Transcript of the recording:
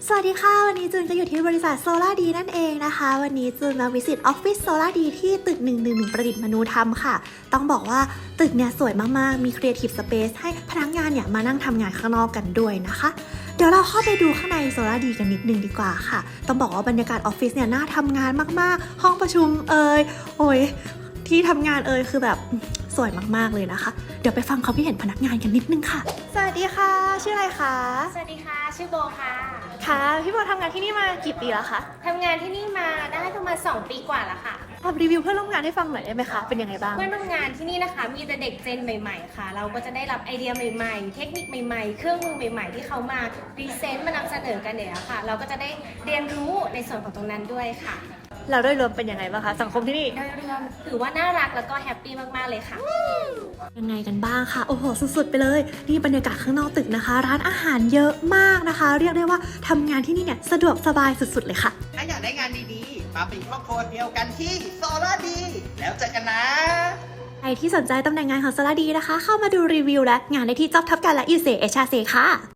สวัสดีค่ะวันนี้จูนจะอยู่ที่บริษัทโซล่าดีนั่นเองนะคะวันนี้จูนมาวิสิตออฟฟิศโซล่าดีที่ตึก111ประดิษฐ์มนูธรรมค่ะต้องบอกว่าตึกเนี่ยสวยมากๆมี Creative Space ให้พนักงานเนี่ยมานั่งทำงานข้างนอกกันด้วยนะคะเดี๋ยวเราเข้าไปดูข้างในโซล่าดีกันนิดนึงดีกว่าค่ะต้องบอกว่าบรรยากาศออฟฟิศเนี่ยน่าทำงานมากๆห้องประชุมโอ้ยที่ทำงานคือแบบสวยมากๆเลยนะคะเดี๋ยวไปฟังความคิดเห็นพนักงานกันนิดนึงค่ะสวัสดีค่ะชื่ออะไรคะสวัสดีค่ะ ชื่อโบค่ะค่ะพี่โบทำงานที่นี่มากี่ปีแล้วคะทำงานที่นี่มาได้ประมาณ2 ปีกว่าแล้วค่ะทำรีวิวเพื่อนร่วมงานให้ฟังหน่อยได้ไหมคะเป็นยังไงบ้างเพื่อนร่วมงานที่นี่นะคะ มีแต่เด็กเจนใหม่ๆค่ะ เราก็จะได้รับไอเดียใหม่ๆ เทคนิคใหม่ๆ เครื่องมือใหม่ๆ ที่เขามาพรีเซนต์มานำเสนอกันเนี่ยค่ะ เราก็จะได้เรียนรู้ในส่วนของตรงนั้นด้วยค่ะเราโดยรวมเป็นยังไงบ้างคะสังคมที่นี่โดยรวมถือว่าน่ารักแล้วก็แฮปปี้มากๆเลยค่ะยังไงกันบ้างคะโอ้โหสุดๆไปเลยนี่บรรยากาศข้างนอกตึกนะคะ ร้านอาหารเยอะมากนะคะ เรียกได้ว่าทำงานที่นี่เนี่ยสะดวกสบายสุดๆเลยค่ะถ้าอยากได้งานดีๆ มาเป็นครอบครัวเดียวกันที่โซล่าดี แล้วเจอกันนะใครที่สนใจตำแหน่งงานของโซล่าดีนะคะ เข้ามาดูรีวิวและงานได้ที่ Job Top กันและ EC HR ค่ะ